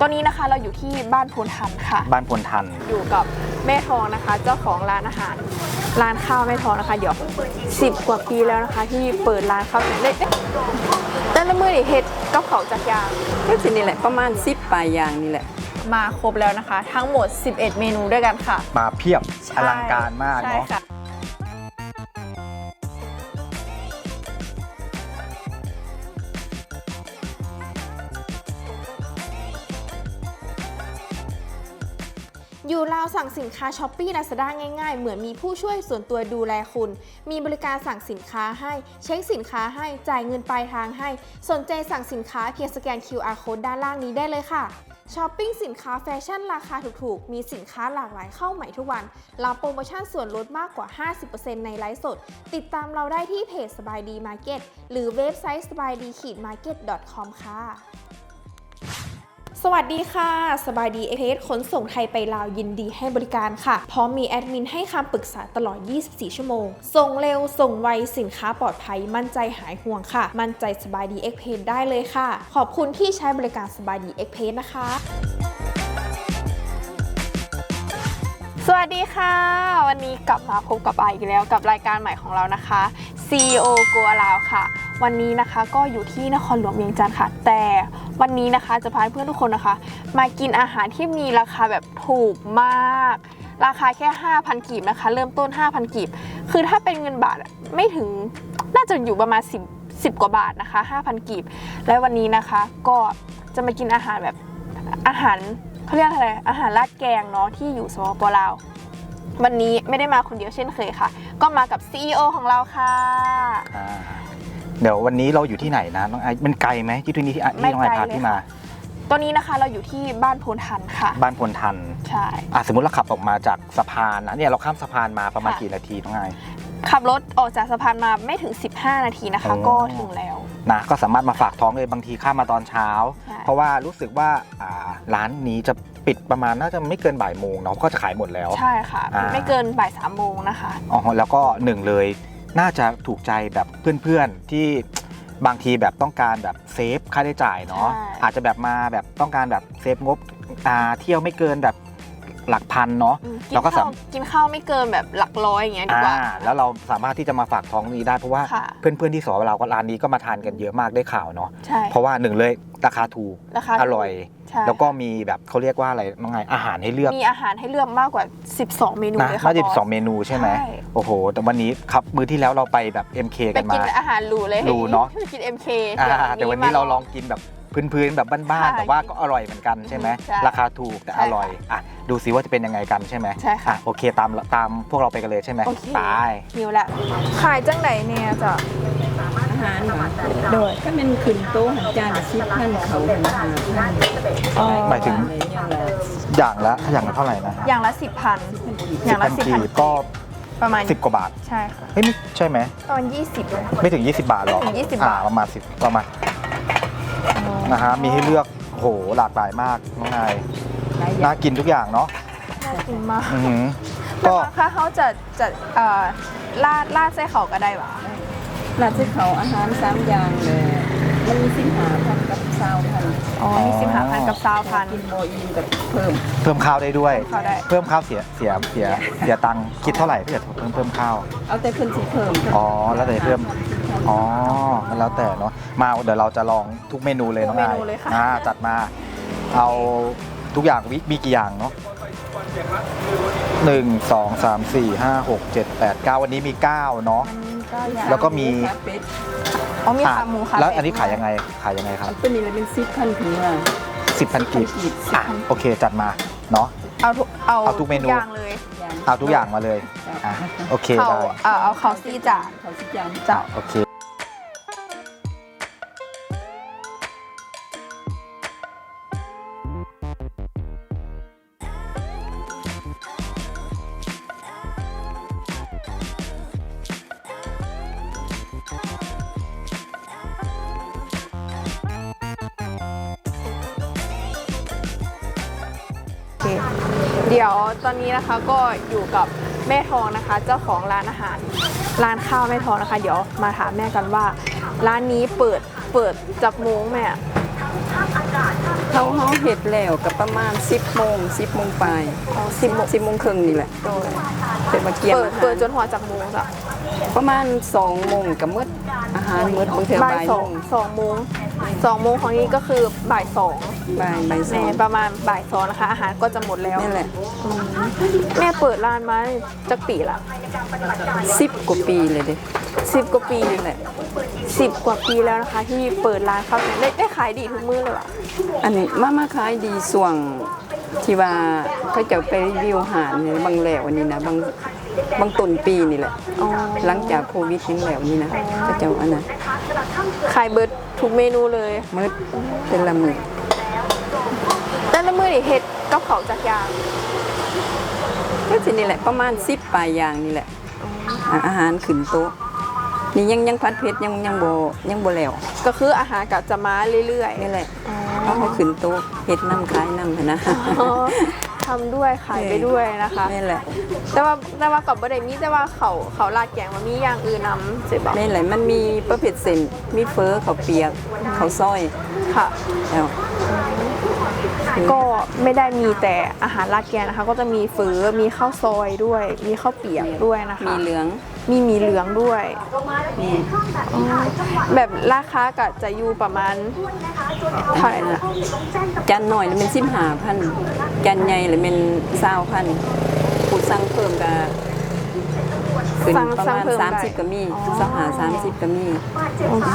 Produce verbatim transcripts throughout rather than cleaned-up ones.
ตอนนี้นะคะเราอยู่ที่บ้านพลทันค่ะบ้านพลทันอยู่กับแม่ทองนะคะเจ้าของร้านอาหารร้านข้าวแม่ทองนะคะเดี๋ยวสิบกว่าปีแล้วนะคะที่เปิดร้านข้าวเล็กๆแต่ละมื้อนี่เฮ็ดกับเขาจากยางก็สินี่แหละประมาณสิบปลายอย่างนี่แหละมาครบแล้วนะคะทั้งหมดสิบเอ็ดเมนูด้วยกันค่ะมาเพียบอลังการมากเนาะอยู่ลาวสั่งสินค้าช้อปปี้ ลาซาด้า ง่ายๆเหมือนมีผู้ช่วยส่วนตัวดูแลคุณมีบริการสั่งสินค้าให้เช็คสินค้าให้จ่ายเงินปลายทางให้สนใจสั่งสินค้าเพียงสแกน คิว อาร์ Code ด้านล่างนี้ได้เลยค่ะช้อปปิ้งสินค้าแฟชั่นราคาถูกๆมีสินค้าหลากหลายเข้าใหม่ทุกวันรับโปรโมชั่นส่วนลดมากกว่า ห้าสิบเปอร์เซ็นต์ ในไลฟ์สดติดตามเราได้ที่เพจสบายดีมาร์เก็ตหรือเว็บไซต์สบายดีมาร์เก็ต ดอท คอม ค่ะสวัสดีค่ะสบายดีเอ็กเพรสขนส่งไทยไปลาวยินดีให้บริการค่ะพร้อมมีแอดมินให้คำปรึกษาตลอดยี่สิบสี่ชั่วโมงส่งเร็วส่งไวสินค้าปลอดภัยมั่นใจหายห่วงค่ะมั่นใจสบายดีเอ็กเพรสได้เลยค่ะขอบคุณที่ใช้บริการสบายดีเอ็กเพรสนะคะสวัสดีค่ะวันนี้กลับมาพบกับไออีกแล้วกับรายการใหม่ของเรานะคะ ซี อี โอ Go Around ค่ะวันนี้นะคะก็อยู่ที่นครหลวงเวียงจันทร์ค่ะแต่วันนี้นะคะจะพาเพื่อนทุกคนนะคะมากินอาหารที่มีราคาแบบถูกมากราคาแค่ ห้าพัน กีบนะคะเริ่มต้น ห้าพัน กีบคือถ้าเป็นเงินบาทไม่ถึงน่าจะอยู่ประมาณ10 10กว่าบาทนะคะ ห้าพัน กีบและวันนี้นะคะก็จะมากินอาหารแบบอาหารเขาเรียกอะไรอาหารราดแกงเนาะที่อยู่สปป.ลาววันนี้ไม่ได้มาคนเดียวเช่นเคยค่ะก็มากับ ซี อี โอ ของเราค่ะเดี๋ยววันนี้เราอยู่ที่ไหนนะน้องไอมันไกลไหมที่ที่นี่ที่น้องไอพาที่มาตอนนี้นะคะเราอยู่ที่บ้านพลทันค่ะบ้านพลทันใช่อ่ะสมมติเราขับออกมาจากสะพานนะเนี่ยเราข้ามสะพานมาประมาณกี่นาทีน้องไอขับรถออกจากสะพานมาไม่ถึงสิบห้านาทีนะคะก็ถึงแล้วนะก็สามารถมาฝากท้องเลยบางทีข้ามมาตอนเช้าเพราะว่ารู้สึกว่าร้านนี้จะปิดประมาณน่าจะไม่เกินบ่ายโมงเนาะก็จะขายหมดแล้วใช่ค่ะไม่เกินบ่ายสามโมงนะคะอ๋อแล้วก็หนึ่งเลยน่าจะถูกใจแบบเพื่อนๆที่บางทีแบบต้องการแบบเซฟค่าใช้จ่ายเนาะอาจจะแบบมาแบบต้องการแบบเซฟงบเที่ยวไม่เกินแบบหลักพันเนาะเราก็สามารถกินข้าวไม่เกินแบบหลักร้อยอย่างเงี้ยดีกว่าแล้วเราสามารถที่จะมาฝากท้องนี้ได้เพราะว่าเพื่อนๆที่สอนเราก็ร้านนี้ก็มาทานกันเยอะมากได้ข่าวเนาะเพราะว่าหนึ่งเลยราคาถูกอร่อยแล้วก็มีแบบเขาเรียกว่าอะไรน้องไงอาหารให้เลือกมีอาหารให้เลือกมากกว่าสิบสองเมนูเลยค่ะน่าจะสิบสองเมนูใช่ไหมโอ้โหแต่วันนี้ครับมื้อที่แล้วเราไปแบบ เอ็ม เค กันมาไปกินอาหารหรูเลยหรูเนาะกิน เอ็ม เคแต่วันนี้เราลองกินแบบพื้นๆแบบบ้านๆแต่ว่าก็อร่อยเหมือนกันใช่ไหมราคาถูกแต่อร่อยอ่ะดูซิว่าจะเป็นยังไงกันใช่ไหมใช่ค่ะโอเคตามตามพวกเราไปกันเลยใช่ไหมไปหิวแล้วขายจังไหนเนี่ยจ้ะอาหารโดยก็เป็นขึ้นโต๊ะหันจานชิปท่านเขาหันอาหารหมายถึงอย่างละอย่างละเท่าไหร่นะอย่างละสิบพันอย่างละสิบพันก็ประมาณสิบกว่าบาทใช่ค่ะเฮ้ยใช่ไหมประมาณยี่สิบเลยไม่ถึงยี่สิบบาทหรอกยี่สิบบาทประมาณสิบประมาณนะฮะมีให้เลือกโหหลากหลายมากน้องนายน่ากินทุกอย่างเนาะน่ากินมากก็ถ้าเขาจะจะลาดลาดไส้เขาก็ได้หรอลาดไส้เขาอาหารสามอย่างเลยมันมีสิบห้าพันกับซาวพันอ๋อมีสิบห้าพันกับซาวพันกินโมอินกับเพิ่มเพิ่มข้าวได้ด้วยเพิ่มข้าวเสียเสียเสียเสียตังค์คิดเท่าไหร่ถ้าเกิดเพิ่มเพิ่มข้าวเอาแต่เพิ่มสิเพิ่มอ๋อแล้วแต่เพิ่มอ๋อแล้วแต่เนาะมาเดี๋ยวเราจะลองทุกเมนูเลยน้องนายอ่าจัดมาเอาทุกอย่างมีกี่อย่างเนาะหนึ่งสองสามสี่ห้าหกเจ็ดแปดเก้าวันนี้มีเก้าเนาะแล้วก็มีอ๋อมีขาหมูค่ะแล้วอันนี้ขายยังไงขายยังไงครับเป็นนี่เลยเป็นสิบพันถึงว่าสิบพันกีบอ่ะโอเคจัดมาเนาะเอาเอาเอาทุกเมนูเลยเอาทุกอย่างมาเลยอ่ะโอเคได้เอาเอาข้าวซี่จ่าข้าวซี่จานจ่าโอเคเดี๋ยวตอนนี้นะคะก็อยู่กับแม่ทองนะคะเจ้าของร้านอาหารร้านข้าวแม่ทองนะคะเดี๋ยวมาถามแม่กันว่าร้านนี้เปิดเปิดจับโมงแม่เขาเฮาเฮ็ดแล้วก็ประมาณสิบโมงสิบโมงปลายสิบสิบโมงครึ่งนี่แหละเป็นมาเกี่ยมเปิดอาหารเปิดจนหัวจากโมงจ้ะประมาณสองโมงก็หมดอาหารหมดบางเทื่อบ่ายบ่ายสโมองงสองโมงสองโมงของนี้ก็คือบ่ายสองบ่ายบ่ายสแม่องประมาณบ่ายสองนะคะ อาหารก็จะหมดแล้วนี่แหละแม่เปิดร้านมาจักปีละสิบกว่าปีเลยเด้สิบกว่าปีนี่แหละสิบกว่าปีแล้วนะคะ ที่เปิดร้านข้าวแกงได้ได้ขายดีทุกมื้อเลยว่ะอันนี้มามาขายดีส่วงที่ว่าเขาจะไปรีวิวอาหารเนี่ยบางแล้วอันนี้นะบางบางต้นปีนี่แหละอ๋อหลังจากโควิดนี่แล้วนี่นะเขาจะอันนั้นขายเบิร์ดทุกเมนูเลยมืดเป็นละมือแต่ละมื้อนี่เฮ็ดกับเขาวจากอยางก็สินี่แหละประมาณสิบปลายอย่างนี่แหละอ่ะอาหารขึ้นโต๊ะนี่ยังยังพัดเพชรยังยังโบยังโบแล้วก็คืออาหารกับจะมาเรื่อยๆนี่แหละเอาเขาขึ้นโต๊ะเฮ็ดน้ำคล้ายน้ำหั้นนะอ๋อทำด้วยขายไปด้วยนะคะนี่แหละแต่ว่าแต่ว่ากับบ่ได้มีแต่ว่าเขาเขาลาดแกงมันมีอย่างอื่นนำสิบอกนี่แหละมันมีประเภทเส้นมีเฟอข้าวเปียกข้าวซอยค่ะแล้วก็ไม่ได้มีแต่อาหารลาดแกงนะคะ ก็จะมีเฝอมีข้าวซอยด้วย มีข้าวเปียกด้วยนะคะมีเหลืองมีหมีเหลืองด้วยนี่อ๋อแบบราคาก็จะอยู่ประมาณเท่าไหร่นะจานหน่อยแล้วเป็นสิบห้าพันจานใหญ่แล้วเป็นเศร้าพันผู้สั่งเพิ่มก็ขึ้นสั่งประสั่งมาณเพิ่มสามสิบได้ก็มีอ๋อสองหาสามสิบก็มีโอเค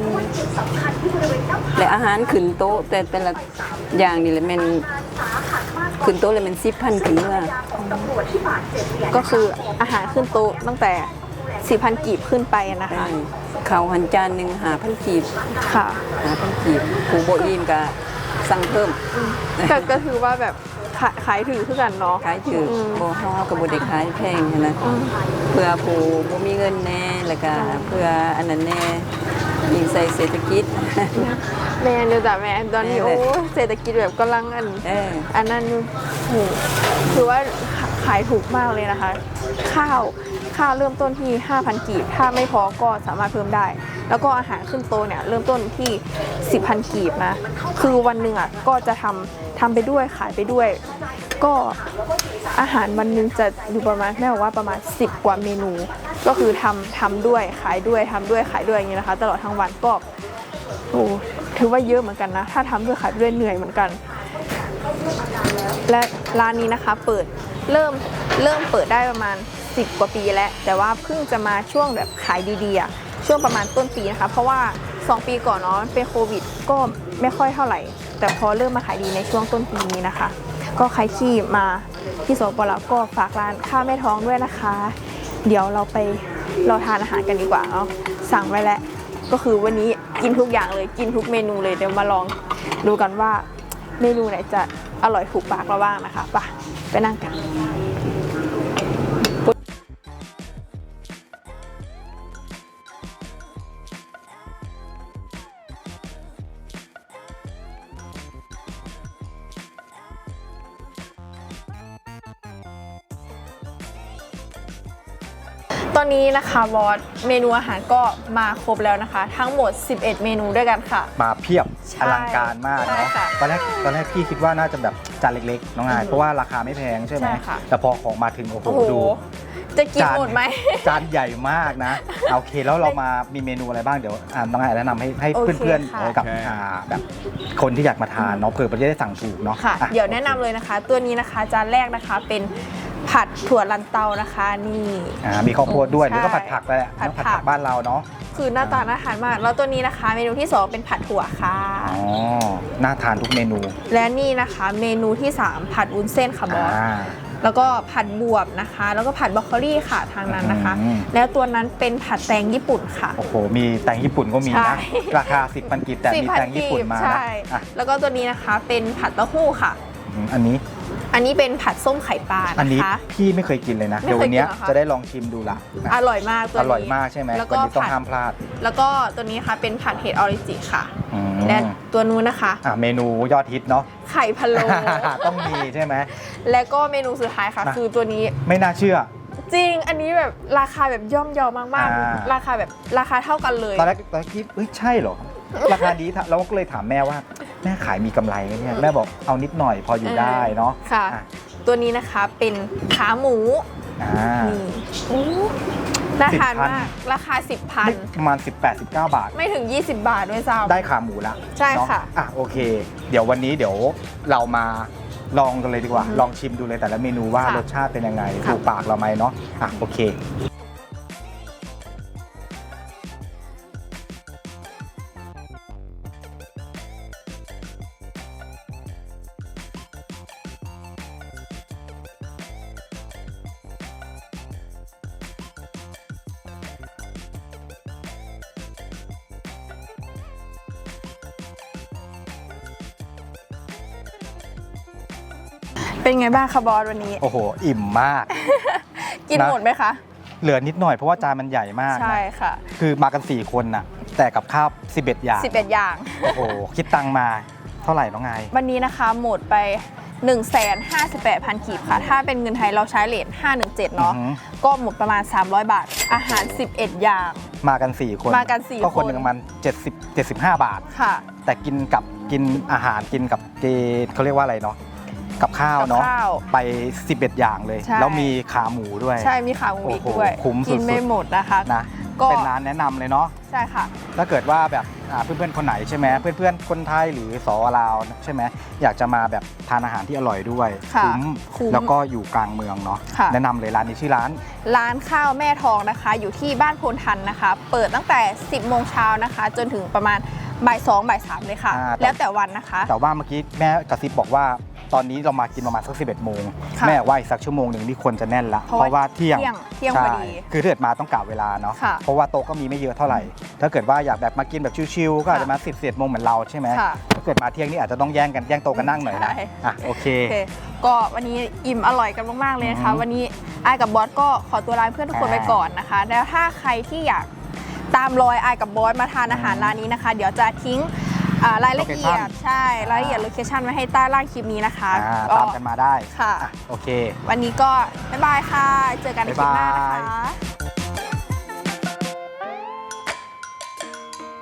และอาหารขึ้นโต๊ะแต่แต่ละอย่างนี่แหละมันขึ้นโต๊ะเลยมันสิบพันขึ้นเมื่อก็คืออาหารขึ้นโต๊ะตั้งแต่สี่พันกีบขึ้นไปนะได้คะเขาวหันจานหนึ่งหาพันกีบค่ะหาพันกีบผู้โบอิ่มก็สั่งเพิ่มก็ก็ถือว่าแบบขายขายถือคือกันเนาะขายถือมโบฮอกับบไดขายแพงนะเพื่อผู้บ่มีเงินแน่แล้วก็เพื่ออันนั้นแน่ยิงใส่เศรษฐกิจแม่เดี๋ยวจ้ะแม่ตอนนี้แม่โอ้เลยเศรษฐกิจแบบกำลังอันเอออันนั้นอยู่โหถือว่าขายถูกมากเลยนะคะ ข้าวข้าวเริ่มต้นที่ ห้าพัน กีบ ถ้าไม่พอก็สามารถเพิ่มได้ แล้วก็อาหารขึ้นโต๊ะเนี่ยเริ่มต้นที่ สิบพัน กีบนะ คือวันหนึ่งอ่ะก็จะทำทำไปด้วยขายไปด้วย ก็อาหารวันหนึงจะอยู่ประมาณแม่บอกว่าประมาณสิบกว่าเมนู ก็คือทำทำด้วยขายด้วยทำด้วยขายด้วยอย่างนี้นะคะ ตลอดทั้งวันก็โอ้ถือว่าเยอะเหมือนกันนะ ถ้าทำด้วยขายด้วยเหนื่อยเหมือนกัน และร้านนี้นะคะเปิดเริ่มเริ่มเปิดได้ประมาณสิบกว่าปีแล้วแต่ว่าเพิ่งจะมาช่วงแบบขายดีๆอะช่วงประมาณต้นปีนะคะ เพราะว่าสองปีก่อนเนาะเป็นโควิดก็ไม่ค่อยเท่าไหร่ แต่พอเริ่มมาขายดีในช่วงต้นปีนี้นะคะ ก็ใครที่มาที่สปปลาวก็ฝากร้านข้าวแม่ท้องด้วยนะคะ เดี๋ยวเราไปเราทานอาหารกันดีกว่าเนาะสั่งไว้แล้วก็คือวันนี้กินทุกอย่างเลยกินทุกเมนูเลยเดี๋ยวมาลองดูกันว่าเมนูไหนจะอร่อยถูกปากเราบ้างนะคะไปไปนั่งกัน ตอนนี้นะคะบอสเมนูอาหารก็มาครบแล้วนะคะ ทั้งหมดสิบเอ็ดเมนูด้วยกันค่ะมาเพียบใช่อลังการมากใช่เนาะค่ะตอนแรกตอนแรกพี่คิดว่าน่าจะแบบจานเล็กๆน้องอายเพราะว่าราคาไม่แพงใช่ไหมใช่ค่ะแต่พอของมาถึงโอ้โหโอ้โหดูจะกินหมดไหมจานใหญ่มากนะโอเคแล้วเรามามีเมนูอะไรบ้างเดี๋ยวอ่าน้องอายแนะนำให้ให้โอเคเพื่อนค่ะๆเออกับอ่าแบบคนที่อยากมาทานเนาะเผื่อจะได้สั่งถูกเนาะค่ะอ่เดี๋ยวแนะนำเลยนะคะ ตัวนี้นะคะจานแรกนะคะเป็นผัดถั่วลันเตานะคะนี่อ่ามีข้าวโพดด้วยใช่หรือก็ผัดผักไปแหละผัดเนอะผัดผัผักกบ้านเราเนาะคือหน้าตาน่าทานมาก แล้วตัวนี้นะคะ เมนูที่สองเป็นผัดถั่วค่ะอ๋อน่าทานทุกเมนูและนี่นะคะเมนูที่สามผัดวุ้นเส้นค่ะบอสอ่าแล้วก็ผัดบวบนะคะ แล้วก็ผัดบรอกโคลี่ค่ะทางนั้นนะคะอืมแล้วตัวนั้นเป็นผัดแตงญี่ปุ่นค่ะโอ้โหมีแตงญี่ปุ่นก็มีใช่นะราคาสิบพันกีบแต่มีแตงญี่ปุ่นมานะใช่อ่ะแล้วก็ตัวนี้นะคะเป็นผัดเต้าหู้ค่ะอืมอันนี้อันนี้เป็นผัดส้มไข่ปลาอันนะนี้คะพี่ไม่เคยกินเลยนะไม่เดี๋ยวเคยวันเนี้ยกินเหรอคะจะได้ลองชิมดูละนะอร่อยมากตัวอนี้ร่อยมากใช่ไหมแล้ววันก็นี้ต้องผัดห้ามพลาดแล้วก็ตัวนี้ค่ะเป็นผัดเห็ดออริจิค่ะอืมและตัวนู้นนะคะอ่ะเมนูยอดฮิตเนาะไข่พะโล้ต้องมีใช่ไหมและก็เมนูสุดท้ายค่ะนะคือตัวนี้ไม่น่าเชื่อจริง อันนี้แบบราคาแบบย่อมเยาวมากอ่าๆ ราคาแบบราคาเท่ากันเลยตอนแรกตอนแรกคิดเอ้ยใช่เหรอ ราคาดีเราก็เลยถามแม่ว่าแม่ขายมีกำไรไหมเนี่ยแม่บอกเอานิดหน่อยพออยู่ได้เนาะค่ะอ่ะตัวนี้นะคะเป็นขาหมูอ่านี่โอ้น่าทานสิบพันมาก ราคา สิบพันไม่ประมาณ สิบแปด สิบเก้า บาทไม่ถึง ยี่สิบบาทด้วยซ้ำได้ขาหมูละใช่ค่ะเนาอ่ะโอเค เดี๋ยววันนี้เดี๋ยวเรามาลองกันเลยดีกว่าอือฮึลองชิมดูเลยแต่ละเมนูว่าค่ะรสชาติเป็นยังไงค่ะถูกปากเราไหมเนาะอ่ะโอเคเป็นไงบ้างคะบอสวันนี้โอ้โห อิ่มมากกินนะหมดไหมคะเหลือนิดหน่อยเพราะว่าจานมันใหญ่มากนะใช่ค่ะคือมากัน สี่ คนน่ะ แต่กับข้าวสิบเอ็ดอย่างสิบเอ็ดอย่างโอ้โห คิดตังค์มาเท่าไหร่น้องไงวันนี้นะคะหมดไป หนึ่งแสนห้าสิบแปดพัน กีบค่ะ ถ้าเป็นเงินไทยเราใช้เลทห้าหนึ่งเจ็ดเนาะอือหือก็หมดประมาณ สามร้อย บาท อาหาร สิบเอ็ด อย่างมากัน สี่ คนมากันสี่ก็คนคนหนึ่งประมาณเจ็ดสิบ เจ็ดสิบห้า บาทค่ะแต่กินกับกินอาหารกินกับเกเขาเรียกว่าอะไรเนาะกับข้าวเนาะกับข้าวไปสิบเอ็ดอย่างเลยใช่แล้วมีขาหมูด้วยใช่มีขาหมูอีกโอ้โหด้วยคุ้มสุดๆกินไม่หมดนะคะนะก็เป็นร้านแนะนำเลยเนาะใช่ค่ะถ้าเกิดว่าแบบอ่าเพื่อนๆคนไหนใช่ไหมเพื่อนๆคนไทยหรือสวลาวใช่ไหมอยากจะมาแบบทานอาหารที่อร่อยด้วยค่ะคุ้มคุ้มแล้วก็อยู่กลางเมืองเนาะค่ะแนะนำเลยร้านนี้ชื่อร้านร้านข้าวแม่ทองนะคะ อยู่ที่บ้านโพนทันนะคะ เปิดตั้งแต่ สิบโมงเช้านะคะ จนถึงประมาณบ่ายสองบ่ายสามเลยค่ะอ่าแล้วแต่วันนะคะแต่ว่าเมื่อกี้แม่กระซิบบอกว่าตอนนี้เรามากินประมาณสักสิบเอ็ดโมงค่ะแม่ว่าอีกสักชั่วโมงหนึ่งนี่ควรจะแน่นละเพเพราะราะว่าเที่ยงเที่ยงเที่ยงใช่พอดีคือถ้าเกิดมาต้องกะเวลาเนาะค่ะเพราะว่าโต๊ะก็มีไม่เยอะเท่าไหร่ ถ้าเกิดว่าอยากแบบมากินแบบชิลๆก็อาจจะมาสิบเอ็ดโมงเหมือนเราใช่ไหมค่ะถ้าเกิดมาเที่ยงนี่อาจจะต้องแย่งกันแย่งโต๊ะกันนั่งหน่อยนะใช่อ่ะโอเคโอเค ก็วันนี้อิ่มอร่อยกันมากๆเลยนะคะอือฮึวันนี้อายกับบอสก็ขอตัวลาเพื่อนทุกคนอ่าไปก่อนนะคะ แล้วถ้าใครที่อยากตามรอยอายกับบอสมาทานอาหารร้านนี้นะคะ เดี๋ยวจะทิ้งอ่ารายละเอียด Location ใช่รายละเอียดโลเคชั่นไว้ให้ใต้ล่างคลิปนี้นะคะอ่าก็ตามกันมาได้ค่ะอ่ะโอเควันนี้ก็บ๊ายบายค่ะ เจอกันในคลิปหน้านะบ๊ายบาคะย